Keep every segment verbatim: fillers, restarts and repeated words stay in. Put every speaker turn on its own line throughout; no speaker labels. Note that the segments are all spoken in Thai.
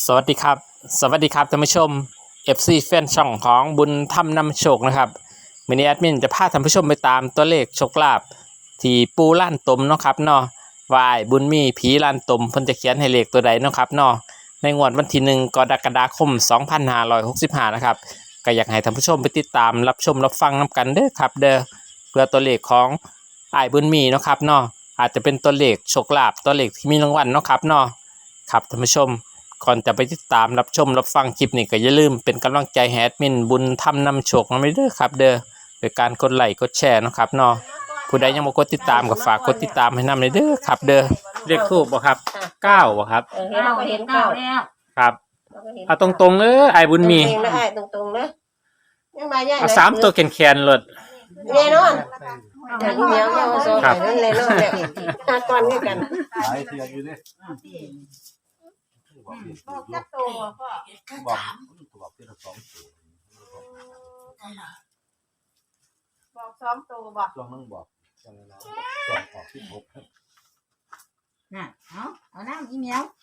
สวัสดีครับสวัสดีครับท่านผู้ชม เอฟ ซี แฟนช่องของบุญธรรมนำโชคนะครับวันนี้แอดมินจะพาท่านผู้ชมไปตามตัวเลขโชคลาภที่ปูล้านตมเนาะครับเนาะวายบุญมีผีล้านตมเพิ่นจะเขียนให้เลขตัวใดเนาะครับเนาะในงวดวันที่หนึ่งกรกฎาคมสองพันห้าร้อยหกสิบห้านะครับก็อยากให้ท่านผู้ชมไปติดตามรับชมรับฟังนำกันเด้อครับเด้อเพื่อตัวเลขของอ้ายบุญมีเนาะครับเนาะอาจจะเป็นตัวเลขโชคลาภตัวเลขที่มีรางวัลเนาะครับเนาะครับท่านผู้ชมก่อนจะไปติดตามรับชมรับฟังคลิปนี้ก็อย่าลืมเป็นกำลังใจให้แอดมินบุญธรรมนำโชคมาเด้อครับเด้อโดยการกดไลค์กดแชร์นะครับเนาะผู้ใดยังบ่กดติดตามก็ฝากกดติดตามให้นำเลยเด้อครับเด้อเลขทูปบ่ครับเก้าบ่ครับ
เออเห็นเราก็เห็นเก้าแล้ว
ครับเอาตรงๆเด้อไอ้บุญมี
ตรงๆนะไอ้ตรงๆนะยังมาใหญ่
เอาสามตัวแขนๆเลย
แน่นอนอย่างเหนียวเอาโซ่ใส่นั่นเลยเนาะเนี่ยหาก่อนนี่กัน
หลายเทียอยู่ดิบอกจับตัวพ่อบอกบอกเทียละสองตัว
บอกสองตัวบอก
ช่วงนึงบอกช่วงนึงนะช่วงออกที่พบ
น่ะเอาเอาน้ำอีเมียว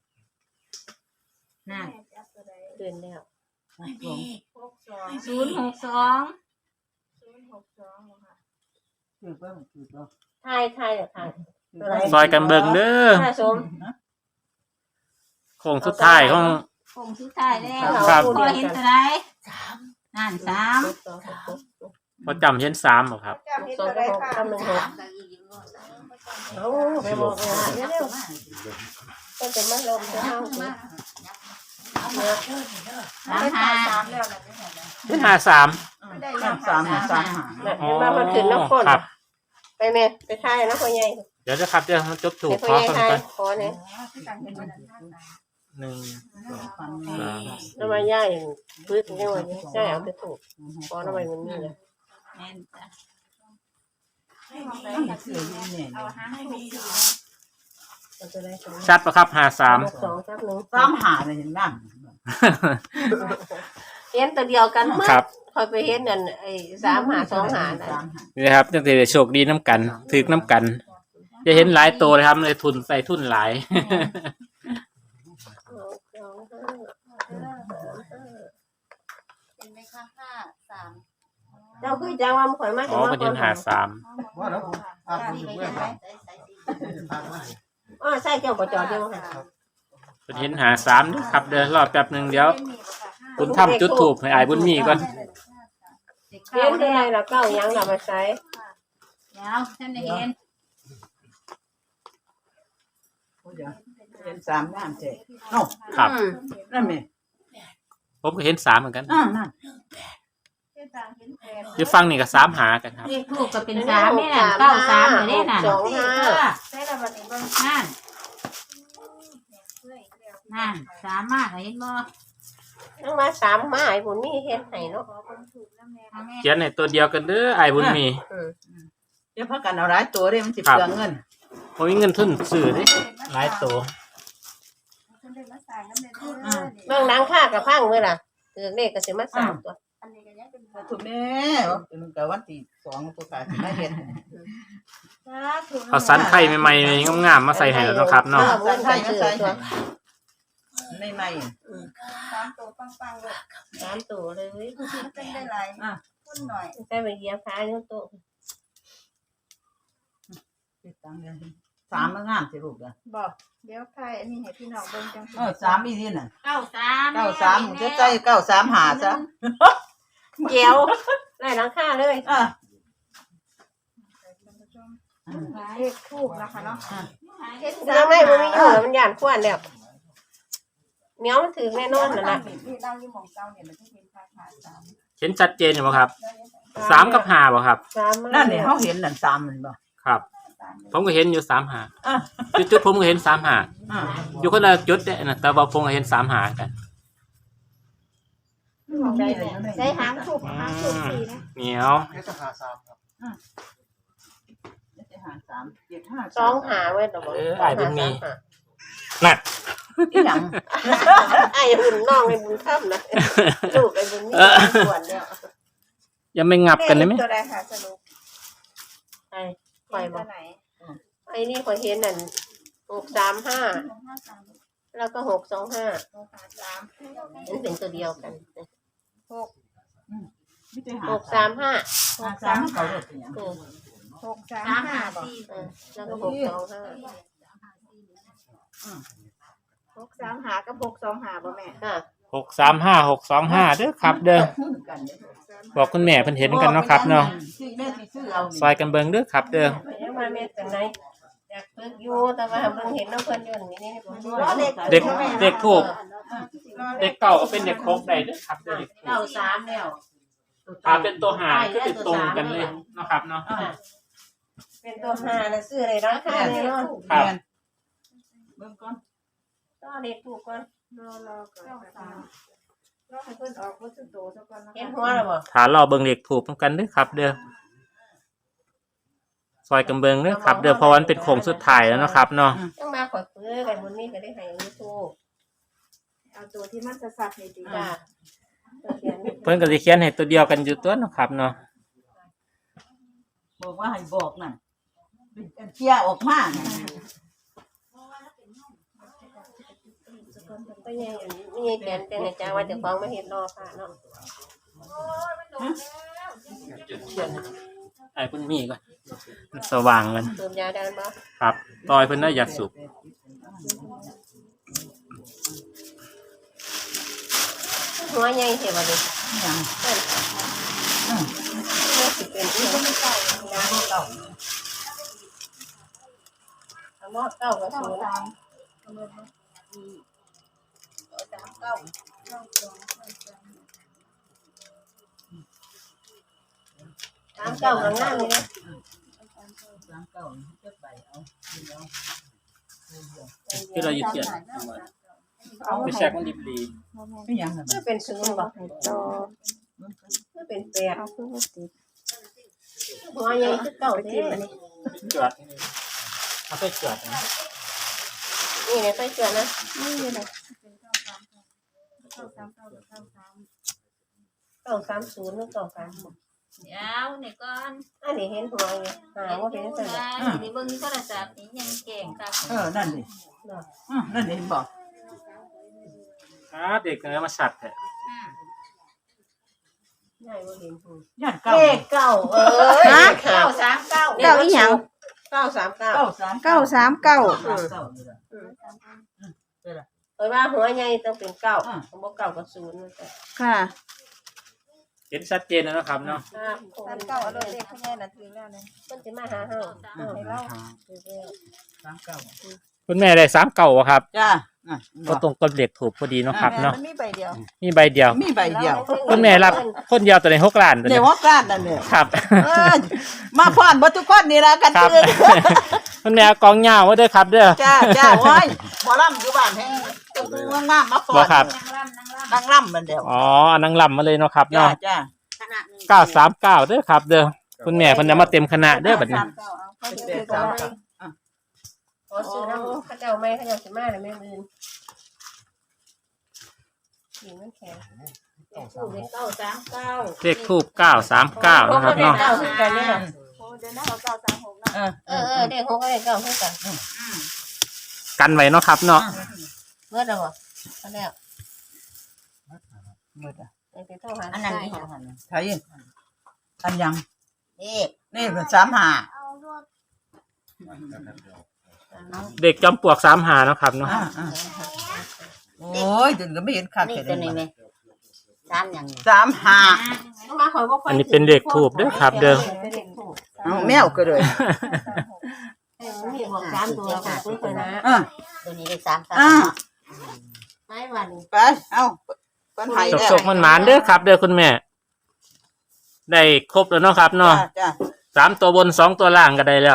น่ะ
เกินแล้ว
หกสอง
หกสอง
ศูนย์หกสอง
ศูนย์หกสองค่ะ
คือเพิ่มคือเพิ่ม
ทายทายเดี๋ยวทายตัวไหน
ซอยกันเบิ่งเด้อ
ถ้าสม
โค้งสุดท้ายของ
คงสุดท้ายแล้ว
ครับ
พอเห็นตัวไหนนั่นสาม
สองสอง
พอจำเห็นสามบ่ครับ
จำที่
สอ
ตั
ง
วใด
หก
ค่ะ
กำลังหกเอาไปบอกเลยเดี๋ยวเดี๋ยวก็จะมาลงจะห้าสิ
สามห้า
สามแล้วนะ
เป็นห้าสาม
ไม่ได้
สามสามสามหา
เห็นมาคนขึ้นน้ำข้น
ครับ
ไปแม่ไปทายนะพ่อใหญ่
เดี๋ยวนะครับเดี๋ยวจบถูก
เดี๋ยว
ข
พ่อ
อ
ใหญ่
ฟัง
ทาย
กัน
ขอเนี่ย
หนึ่งสองสาม
แล้วมาย่ายพื้นยังไงย่ายเอาไปถูกขอทำไมมันนี่เลย
แม่นจ้ะ
เอาห้าให้มีสี่
มันจะได้สอง
ชัดปะครับห้าสาม
สองสักหนึ่ง
สามหาเลยเห็นนั่น
เห็นตัวเดียวกันเมื่อ
ครับ
คอยไปเห็นนั่นไอ้สามหาสองหาน่ะ
นี่นะครับจังสิได้โชคดีน้ำกันถึกน้ำกันจะเห็นหลายตัวเลยครับเลยทุนใส่ทุนหลาย
เห็นไหมคะห้าสาม
เจ้าคือจังว่ามันข่อยมา
อ๋อประเด็นหาสาม
ว่าแล้วผมอาผมอยู่ด้วยครับ
อ๋อใช่เจ้าประจอดเดียวค่ะ
ประเด็นหาสามด้วยครับเดี๋ยวรอแป๊บหนึ่งเดี๋ยวคุณทำจุดถูกให้อายบุญมีก่อน
เห็นที่ไหนเราเก้ายังเรามาใช้
เดี๋ยวฉันได้เห็น
เป็นสามน้ำเจ๊เอ้า
ครับ
นั่นไหม
ผมก็เห็นสามเหมือนกัน
อ่านั่น
เห็นสามเห็นแปด
อยู่ฟังนี่ก็สามหากันครับ
เลขทูกก็เป็นสามนี่น่ะเก้าสามเลยเนี่ยน่ะ
สองห้า
ใช่แล้ววันนี้เบิ่ง
นั่น
เพื่ออีกแล้ว
นั่นสามมากเห็นบ่
ทั้งมาสามมาไอ้บุญนี่เห็นไหนเนาะ
ขอคนถูกน้ำแน่
เอาแม่
เขียนในตัวเดียวกันเด้ออายบุญมี
เดี๋ยวพักกันเอาหลายตัวเด้มันสิเปลืองเงิน
ผมมีเงินทุนซื้อเดิหลายตัว
คนได้มาใส่น้ำแน่เด้อ
เมืองนังค่ากับพังเมื่อล่ะคือเลขก็สิมาสามตัว
อันนี้ก็ยังเป็น
ถูกแน่เป็นกับวันที่สองตัวกายไม่เห็น
สาธุ
เอาสันไข่ใหม่ๆงามๆมาใส่ให้แล้วเนาะครับเนาะ
เงินใส่ซื้อตัว
ไม่ไม่
สามตัวปังๆเลย
สามตัวเลย
มันเป็นได้หลายคนหน่อย
ใส่ไปเหยียบขาเนื้อตัว
สามมันงามสิลูกอ่ะ
บอกเดี๋ยวใครอันนี้ให้พี่น้องเบิ่งจัง
เออสามอีที่น่ะ
เก้าสาม
เก้าสามจะใจเก้าสามหาซะ
เจียวได้หลังค่าเลย
อ่ะ
เลขทูบนะคะเนาะเห็น
ยังไม่มันมีอยู่แล้วมันหยานขวานแล้วเมียวมันถือแน่นอนนั่นแหละ
นี่เราอยู่หม่องเก่าเนี่ยมันจะเห็นค่าขาสาม
เห็นชัดเจนอยู่บ่ครับสามกับห้าบ่ครับ
สาม
นั่นเนี่ยเขาเห็นนั่นสามมันบ่
ครับ ผมก็เห็นอยู่สามหา
อ่ะ
จุดๆผมก็เห็นสามหา
อ่ะ
อยู่คนละจุดเด้นะแต่ว่าผมก็เห็นสามหากัน
ได้ได้หางทูบหางทูบสี่นะ
เหนียว
เจ็ดหาสามครับเจ็ดหาสามเจ็ดห้า
สองหาเว้ยตัวบอก
เอออายบุญมีน่ะ
อีหยัง
ไอ้บุญน้องไอ้บุญค่ำนะลูกไอ้บุญนี่ขวานแล้ว
ยังไม่งับกันเลยไหม
ตัวใดค่ะสรุป
ไอ้ข่อยบ
ตั
อ
ว
ก
ไหน
ไอ้นี่ข่อยเห็นนั่นหกสามห้า
สองห้าสาม
แล้วก็หกสองห้า
หกหาสาม
มันเป็นตัวเดียวกัน
หก
ไม่ใช่หา
หกสามห้า
หาสามเก่าเลยเป็นยัง
เออ
หกสามห้าบอก
เออแล้วก็หกสองห้า
หกสามหากับหกสองหาบ่แม่
ค่ะ
หกสามห้าหกสองห้าเด้อครับ เด้อบอกคุณแม่เพิ่นเห็นกันเนาะครับเนาะ
ซื้อแม่สิซื้อเอา
ซอยกันเบิ่งเด้อครับ เด้อ
ไปยังมาแม่จังไหนอยากฝึกอยู่แต่ว่าเพิ่งเห็นน้องเพิ่นอยู่นี่นี่ผม
เด็กเด็กถูกเด็กเก่าก็เป็นเด็กโคกได้เด้อครับเด้อเด็กถูก
เก้าสามแล้ว
ถ้าเป็นตัวหาก็ติดตรงกันเลยเนาะครับเนาะ
เป็นตัวห้าแล้วซื้ออะไรราคาแน่นอน
ครับ
เบิ่งก่อน
ก็เด็กถูกก่อน
รอรอก่อนค่ะรอให้เพิ่นออกวัตถุโตซะก่อนนะ
เห็น
คะ
หัวแล้วบ่
ถ้ารอเบิ่งเด็กถูกกันเด้อครับ เด้อซอยกันเบิ่งเด้อครับ เด้อเพราะว่ามันเป็นโค้งสุดท้ายแล้วเนาะครับเนาะ
ต้องมาขอซื้อกันบนนี้ก็ได้ให้ยูทูบ
เอาตัวที่มันจะสัตว์ในตี
จ้า
เพิ่นก็สิเขียนให้ตัวเดียวกันอยู่ตัวเนาะครับเนาะ
บอกว่าให้บอกนั่นเป็นเชียร์ออกมาน่ะ
ก็ยังนี่แกนแต่ในจ้าว่าจะฟ้องมาเห็นรอค่ะเนาะ
ไอ้เพิ่นมีก่อนมันสว่างกัน
สูบยาได้บ่
ครับต่อยเพิ่นได้อยากสูบ
หัวใหญ่เท่าบ่ดิ
ยัง
นี่สิเป็นที่ไม่ใช่ยาเก่าเอาหม้อเก่าก็สูงสามเก้าหลังหน้านี่นะ
สามเก่าเจ็ดใบเอาเอา
ที่เราอยู่เขียนไปแชกมันดิบดี
ไม่ยังน่ะ
ก็เป็นศูนย์บ่ก็เป็นแปดหัวใหญ่คือเก่าเท่อันนี้
จวดเอาไปจวดนะ
นี่เนี่ยไปเชื่อนะ
เก้าสามเก้าเก้าสาม
เก้าสามศูนย์หรือเก้าสามหก
เดี๋ยวนี่ก่อน
อันนี้เห็นหัวอยู่หาว่าเป็นสัญญา
สิได้เบิ่งโทรศัพท์นี่ยังเก่งค่ะ
เออนั่นดิอือนั่นดิเห็นบอก
อ่าเด็กเนื้อมาสัตว์แท้
อืม
ใหญ่ว่าเห็นหัว
ย่านเก่า
เลขเก้าเอ้ยเก้าสามเก้า
เก้าอีหยัง
เก้าสามเก้า
เก้าสาม
เก้าสามเก้า
เก้าเก้านี่ล่ะ
เอ้ยว่าหัวใหญ่ต้องเป็นเก้าผมบอกเก้ากับศูนย์นั่นแหละ
ค่ะ
เห็นชัดเจนแล้วนะครับเนาะ
ครับคง
สามเก้าเอารถเลขคุณแม่น่ะถึงแล้วเนี่ย
มันจะมาหาเฮาเออให้เราคือเด้อ
สามเก้า
คุณแม่ได้สามเก่าครับ
จ้าอ่ะ
ก็ตรงกับเด็กถูกพอดีเนาะครับเนาะ
มันมีใบเดียว
มีใบเดียว
มีใบเดียว
คุณแม่รับคนเดียวตัวในหกล้านตัว
เดี๋
นี้
ยวว่ากล้านนั่นเนี่ย
ครับ
เออมาพรบ่ทุกคนนี่ละกัน
ครับ
ตื่น
คุณแม่เอากองเหย้าไว้ด้วยครับ เด้อ
จ้าจ้าโอ้ยหมอลำอยู่บ้านแห้งตุ้งงามๆมาพร
บ่ครับ
นั่งร่ำนั่งร่ำ
นั่งล่ำมันเดียว
อ๋ออันนังลำมาเลยเนาะครับ
จ้า
เนาะ
จ้า
ขนาดนี้
เก้าสามเก้าเด้อครับ เด้อคุณแม่เพิ่นจะมาเต็มคณะเด้อบัดนี้
สามเก้าเอาเขา
เป็น
จะ
แป
ถื
ด
อ
สามเก้า
กัน
ขอซื้อน้ำข้าเจ้าไม่ข้าเจ้าสิมาเลยแม่มืนนี่มันแข็งถูกเลยเก้าสามเก้า
เลขทูบเก้าสามเก้านะครับเนาะ
เก้าคือกันเนี่ย
โอ้เดี๋ยวนะเอาเก้าสามหกนะ
เออ
เออเออเด็กหกก็เด็กเก้าคือกัน
กันไว้เนาะครับเนาะ
เมื่อไหร่บ่อันแล้ว
มืดอ่ะ
ไอ้ที่โทรหา
อันนั้น
ใช่
นี่
ค่ะ
ใช่อันยัง
นี่
นี่เป็นสามห้า
เด็กจอมปลวกสามหาเนาะครับเนาะ
อ่าอ่าโอ้ยถึงก็ไม่เห็นคัก
นี่
แค่
ตัว
นี้
นี้ไหมสามอย่างนี้
สามห้า
ต้องมาขอยบ่ค่อย
อันนี้เป็นเลขทูบเด้อครับ เด้อ
เป็นเลขทูบ
เอาแมวก็เลย
เออมีบอกสามตัวของซื้อไปนะ
อ่า
ตัวนี้ได้สามสาม
อ่า
ไม่วัน
ไปเอาปันไห้
สก
แล้ว
สกมันหมานๆเด้อครับ เด้อคุณแม่ ได้ครบแล้วเนาะครับเนาะ
จ้าจ้า
สามตัวบนสองตัวล่างก็ได้แล้ว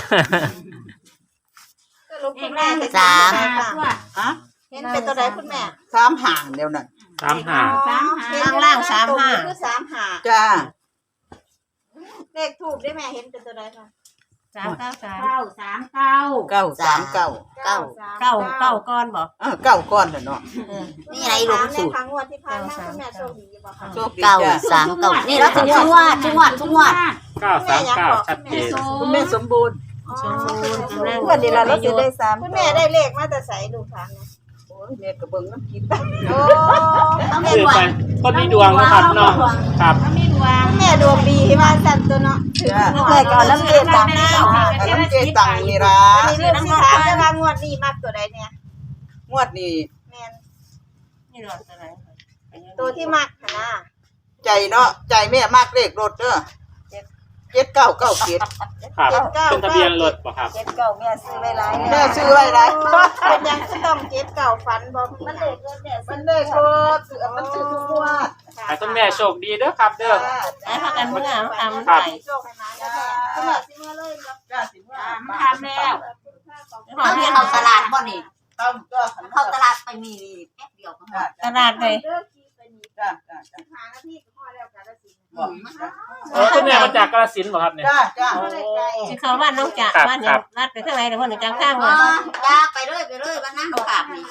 คุณแม่เห็น
สาม
ฮะ
เห็นเป็นตัวใดคุณแม่
สามห่างเดียวนั่น
สามหา
สามหา
ข้างล่างสามห้า
คือสามหา
จ้า
เลขทูบได้แม่เห็นเป็นตัวใดคะ
สามเก้าสาม
เก้าสามเก้า
เก้าสามเก้า
เก้า
เก้าเก้าก้อนบอก
อ่าเก้าก้อนน่ะเนาะ
นี่ไงหลวงสูตร
ในครั้งวันที่ผ่านมาคุณแม่โชคดีอยู่บ่คะ
โชคดี
เก้า
จ้า
สามเก้านี่เราถึงทุกวันทุกวันทุกวัน
เก้าสามเก้าชัดเจน
คุณแม่สมบูรณ์
ชมพูกำลัง
วันนี้เราเราจะได้สามคุณแม่ได้เลขมาแต่ใส่ดูค่ะ
โอ้ยแม่ก็เบิ่งน้ำกิน
โอ้
เอาแม่
คือ
ดว
ไป
ง
คนมีดวงนะครับเนาะครับ
มีดวง
แม่ดวงดีว่าสั่นตัวเนาะ
จ้า
แม่ก็น้ำเกลือตังค์นี่
น้ำเจตังนี่ล่ะ
อันนี้เรื่องที่ถามแต่ว่างวดนี้มากตัวใดเนี่ย
งวดนี้
แม่น
นี่หลอดอะไร
ตัวที่มากนะ
ใจเนาะใจแม่มากเลขรถเด้อเจ็ดเก้าเก้าเจ็ด
ครับเป็นทะเบียนรถบ่ครับ
เจ็ดเก่าแม่ซื้อไว้หลาย
แม่ซื้อไว้ไร
เป็นยังก็ต้องเจ็ดเก่าฝันบอกมันเด็กเกินเนี่ย
มันเลขรถซื้อมันซื้อทุกงวด
ให้คุณแม่โชคดีเด้อครับเด้อ
ไอ้พากันเมื่อทำ
ครับ
ใส่
โชคให้มาแล้วแม่ขนาดสิเมื่อเลยเนาะ
จ้าสิว่า
มันทำแล้ว
เขาเรียนเอาตลาดบ่นี่
เข้าก็ขัน
เข้าตลาดไปมีแป๊บเดียวก็หมด
ตลาดเลย
เลิกขี่ไปนี่
จ้าจ้าจ้า
หาหน้าที่กับพ่อแล้วกันแล้วสิ
บอก
โอ้คุณแม่มาจากกาฬสินธุ์บ่ครับเนี่ย
จ้าจ้า
พ่อได้ไกล
ที่เขาบ้านน้องจ่าบ้านเนี่ยรัดไปข้างในแต่คนหนึ่งจังข้าง
อ๋
เล
อย ยาไปเลยไปเลยบ้านนั่งเขาขาบนี่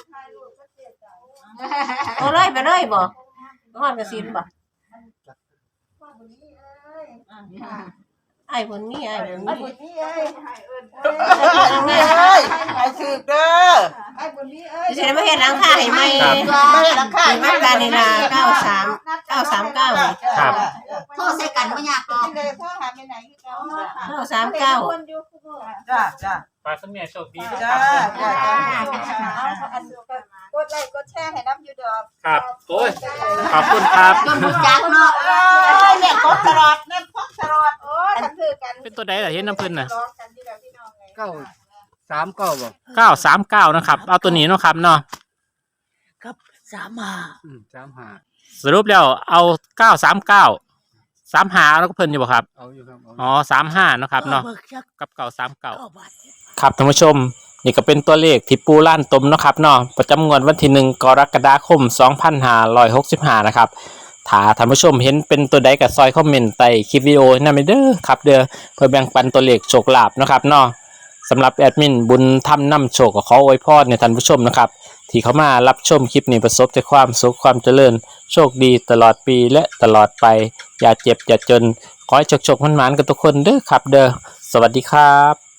โอ้เลยไปเลยบ่ห้องกระสินบ่
พ่อบุญนี่เอ้ย
ไอ้คนนี้ไอ้คน
ไอ้
นี้
บุญนี่เอ้ย
แม่เอ้ยไอ้สืบเด้อ
ไอ้บุญนี่เอ้ย
จะไม่เห็นหลังคาให้ไหม
ไม่ให้ราคา
มาตาในนาเก้าสามเก้าสามเก้า
ครับ
โทษใส่กันไม่ยากหรอก
นี่เลยพ่อหาไปไหนที่เขา
เก้าสามเก้า
คนอยู่คู่มือ
จ้าจ้า
ฝากคุณแม่โชคดีเด้อ
จ้า
ครับ
จ้าจ้า
อันเดียวกันกดไลค์กดแชร์ให้น้ำยูดอก
ครับโอ้ยขอบคุณครับ
จนรู้จักเนาะ
เอ้ยเนี่ยกดตลอดนั่นพกตลอดโอ้ยกันคือกัน
เป็นตัวใดล่ะเห็นน้ำเพิ่นน่ะ
ร้องกันที่แบบพี่น้องไง
เก้าสามเก้าบ่
เก้าสามเก้านะครับเอาตัวนี้เนาะครับเนาะ
สามห้าอืมสามห้า
สรุปแล้วเอาเก้าสามเก้าสามหาแล้วก็เพิ่นอยู่บ่ครับ
เอาอยู่ครับเอา
อ๋อสามห้านาะครับเนาะ
เบิกจัก
กับเก่าสามเก่า
เก้าบาท
ครับท่านผู้ชมนี่ก็เป็นตัวเลขที่ปูล้านตมเนาะครับเนาะประจำงวดวันที่หนึ่งกรกฎาคมสองพันห้าร้อยหกสิบห้านะครับถ้าท่านผู้ชมเห็นเป็นตัวใดก็ซอยคอมเมนต์ใต้คลิปวิดีโอนั่นเด้อครับเด้อเพื่อแบ่งปันตัวเลขโชคลาภเนาะครับเนาะสำหรับแอดมินบุญทำนำโชคก็ขออวยพรในท่านผู้ชมนะครับที่เข้ามารับชมคลิปนี้ประสบแต่ความสุขความเจริญโชคดีตลอดปีและตลอดไปอย่าเจ็บอย่าจนขอให้โชคๆมันๆกันทุกคนเด้อครับเด้อสวัสดีครับ